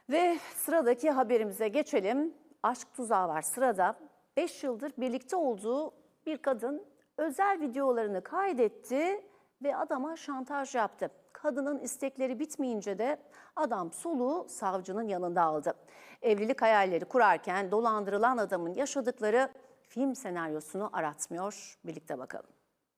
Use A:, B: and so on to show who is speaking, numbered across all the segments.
A: Ve sıradaki haberimize geçelim. Aşk tuzağı var sırada. 5 yıldır birlikte olduğu bir kadın özel videolarını kaydetti ve adama şantaj yaptı. Kadının istekleri bitmeyince de adam soluğu savcının yanında aldı. Evlilik hayalleri kurarken dolandırılan adamın yaşadıkları film senaryosunu aratmıyor. Birlikte bakalım.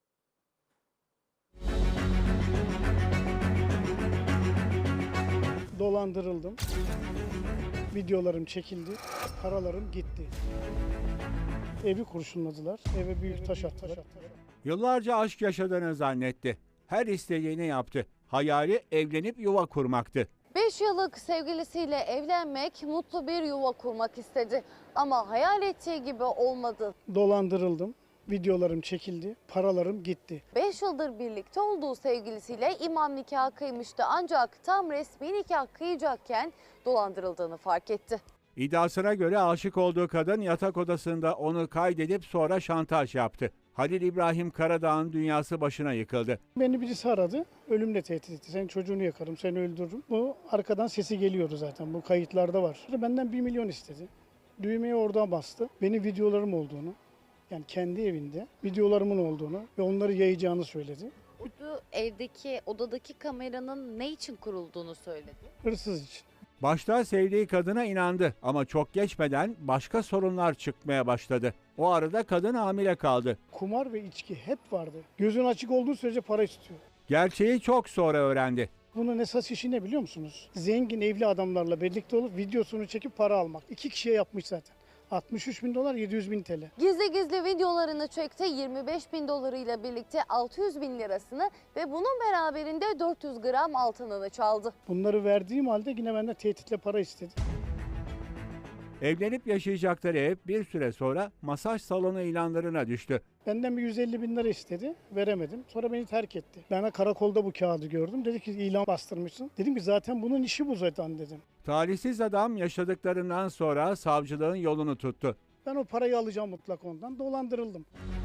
B: Dolandırıldım. Videolarım çekildi. Paralarım gitti. Evi kurşunladılar. Eve büyük taş attılar.
C: Yıllarca aşk yaşadığını zannetti. Her istediğini yaptı. Hayali evlenip yuva kurmaktı.
D: 5 yıllık sevgilisiyle evlenmek, mutlu bir yuva kurmak istedi. Ama hayal ettiği gibi olmadı.
B: Dolandırıldım. Videolarım çekildi. Paralarım gitti.
D: 5 yıldır birlikte olduğu sevgilisiyle imam nikahı kıymıştı. Ancak tam resmi nikah kıyacakken dolandırıldığını fark etti.
C: İddiasına göre aşık olduğu kadın yatak odasında onu kaydedip sonra şantaj yaptı. Halil İbrahim Karadağ'ın dünyası başına yıkıldı.
B: Beni birisi aradı. Ölümle tehdit etti. Senin çocuğunu yakarım, seni öldürürüm. Bu arkadan sesi geliyordu zaten. Bu kayıtlarda var. Benden 1 milyon istedi. Düğmeye oradan bastı. Benim videolarım olduğunu, yani kendi evinde videolarımın olduğunu ve onları yayacağını söyledi.
D: Bu evdeki, odadaki kameranın ne için kurulduğunu söyledi.
B: Hırsız için.
C: Başta sevdiği kadına inandı ama çok geçmeden başka sorunlar çıkmaya başladı. O arada kadın hamile kaldı.
B: Kumar ve içki hep vardı. Gözün açık olduğu sürece para istiyor.
C: Gerçeği çok sonra öğrendi.
B: Bunun esas işi ne biliyor musunuz? Zengin evli adamlarla birlikte olup videosunu çekip para almak. 2 kişiye yapmış zaten. 63 bin dolar, 700 bin TL.
D: Gizli gizli videolarını çekti. 25 bin dolarıyla birlikte 600 bin lirasını ve bunun beraberinde 400 gram altınını çaldı.
B: Bunları verdiğim halde yine benden tehditle para istedi.
C: Evlenip yaşayacakları ev bir süre sonra masaj salonu ilanlarına düştü.
B: Benden bir 150 bin lira istedi. Veremedim. Sonra beni terk etti. Ben karakolda bu kağıdı gördüm. Dedi ki ilan bastırmışsın. Dedim ki zaten bunun işi bu zaten dedim.
C: Talihsiz adam yaşadıklarından sonra savcılığın yolunu tuttu.
B: Ben o parayı alacağım mutlak ondan. Dolandırıldım.